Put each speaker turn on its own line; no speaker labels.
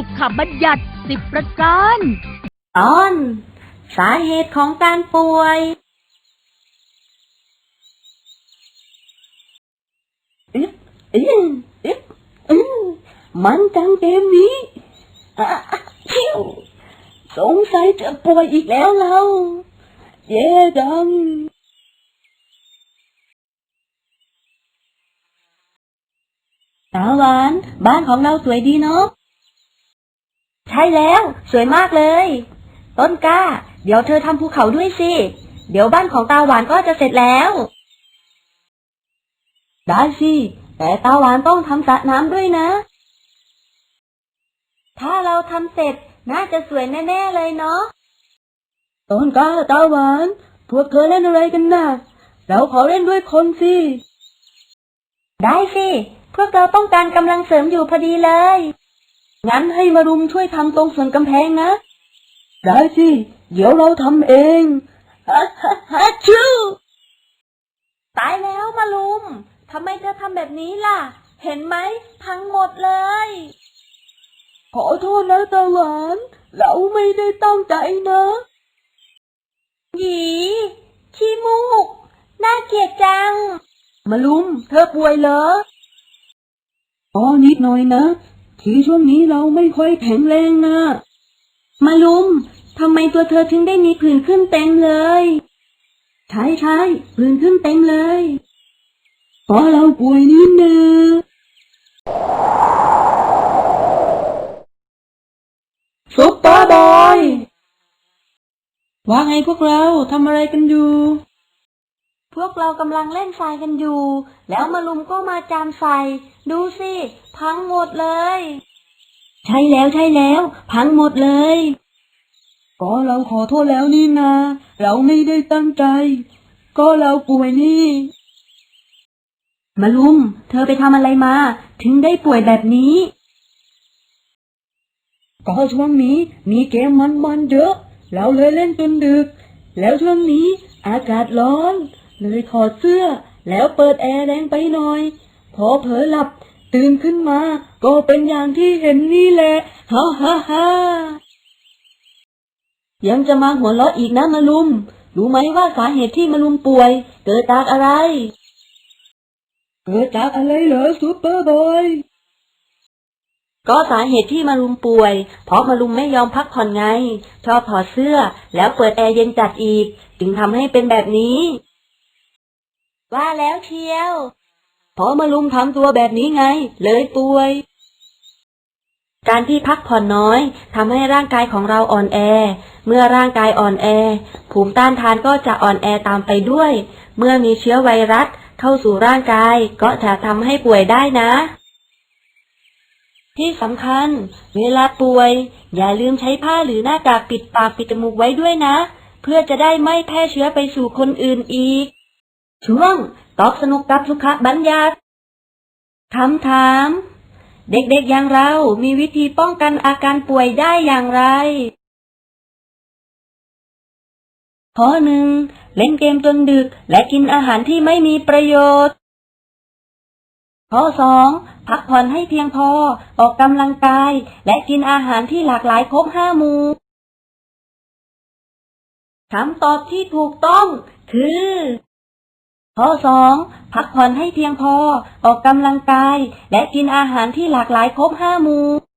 สุขบัญญัติ10 ประการ
ตอนสาเหตุของการป่วยมันจังเกมนี้สงสัยจะป่วยอีกแล้วเราเย่ดังสาวหวานบ้านของเราสวยดีเนาะใช่แล้วสวยมากเลยต้นกล้าเดี๋ยวเธอทำภูเขาด้วยสิเดี๋ยวบ้านของตาหวานก็จะเสร็จแล้วได้สิแต่ตาหวานต้องทำสระน้ำด้วยนะถ้าเราทำเสร็จน่าจะสวยแน่ๆเลยเนาะต้นกล้าตาหวานพวกเธอเล่นอะไรกันน่ะเราขอเล่นด้วยคนสิได้สิพวกเราต้องการกำลังเสริมอยู่พอดีเลยงั้นให้มารุมช่วยทำตรงส่วนกำแพงนะได้สิเดี๋ยวเราทำเองฮัชชูตายแล้วมารุมทำไมเธอทำแบบนี้ล่ะเห็นไหมพังหมดเลยขอโทษนะตาหวานเราไม่ได้ตั้งใจนะหยีขี้มูกน่าเกลียดจังมารุมเธอป่วยเหรอนิดหน่อยนะที่ช่วงนี้เราไม่ค่อยแข็งแรงนะมารุมทำไมตัวเธอถึงได้มีผื่นขึ้นเต็มเลยใช่ผื่นขึ้นเต็มเลยเพราะเราป่วยนิดนึงซุปเปอร์บอยว่าไงพวกเราทำอะไรกันอยู่พวกเรากำลังเล่นทรายกันอยู่แล้วมารุมก็มาจามใส่ดูสิพังหมดเลยใช่แล้วพังหมดเลยก็เราขอโทษแล้วนี่นาเราไม่ได้ตั้งใจก็เราป่วยนี่มารุมเธอไปทำอะไรมาถึงได้ป่วยแบบนี้ก็ช่วงนี้มีเกมมันเยอะเราเลยเล่นจนดึกแล้วช่วงนี้อากาศร้อนเลยถอดเสื้อแล้วเปิดแอร์แรงไปหน่อยพอเผลอหลับตื่นขึ้นมาก็เป็นอย่างที่เห็นนี่แหละฮ่ายังจะมาหัวเราะอีกนะมารุมรู้ไหมว่าสาเหตุที่มารุมป่วยเกิดจากอะไรเกิดจากอะไรเหรอซุปเปอร์บอยก็สาเหตุที่มารุมป่วยเพราะมารุมไม่ยอมพักผ่อนไงชอบถอดเสื้อแล้วเปิดแอร์เย็นจัดอีกจึงทำให้เป็นแบบนี้ว่าแล้วเชียวเพราะมารุมทำตัวแบบนี้ไงเลยป่วยการที่พักผ่อนน้อยทำให้ร่างกายของเราอ่อนแอเมื่อร่างกายอ่อนแอภูมิต้านทานก็จะอ่อนแอตามไปด้วยเมื่อมีเชื้อไวรัสเข้าสู่ร่างกายก็จะทำให้ป่วยได้นะที่สำคัญเวลาป่วยอย่าลืมใช้ผ้าหรือหน้ากากปิดปากปิดจมูกไว้ด้วยนะเพื่อจะได้ไม่แพร่เชื้อไปสู่คนอื่นอีกช่วงตอบสนุกกับสุขบัญญัติคำถามเด็กๆอย่างเรามีวิธีป้องกันอาการป่วยได้อย่างไรข้อ 1. เล่นเกมจนดึกและกินอาหารที่ไม่มีประโยชน์ข้อ 2. พักผ่อนให้เพียงพอออกกำลังกายและกินอาหารที่หลากหลายครบ5 หมู่คำตอบที่ถูกต้องคือข้อ 2. พักผ่อนให้เพียงพอออกกำลังกายและกินอาหารที่หลากหลายครบ5 หมู่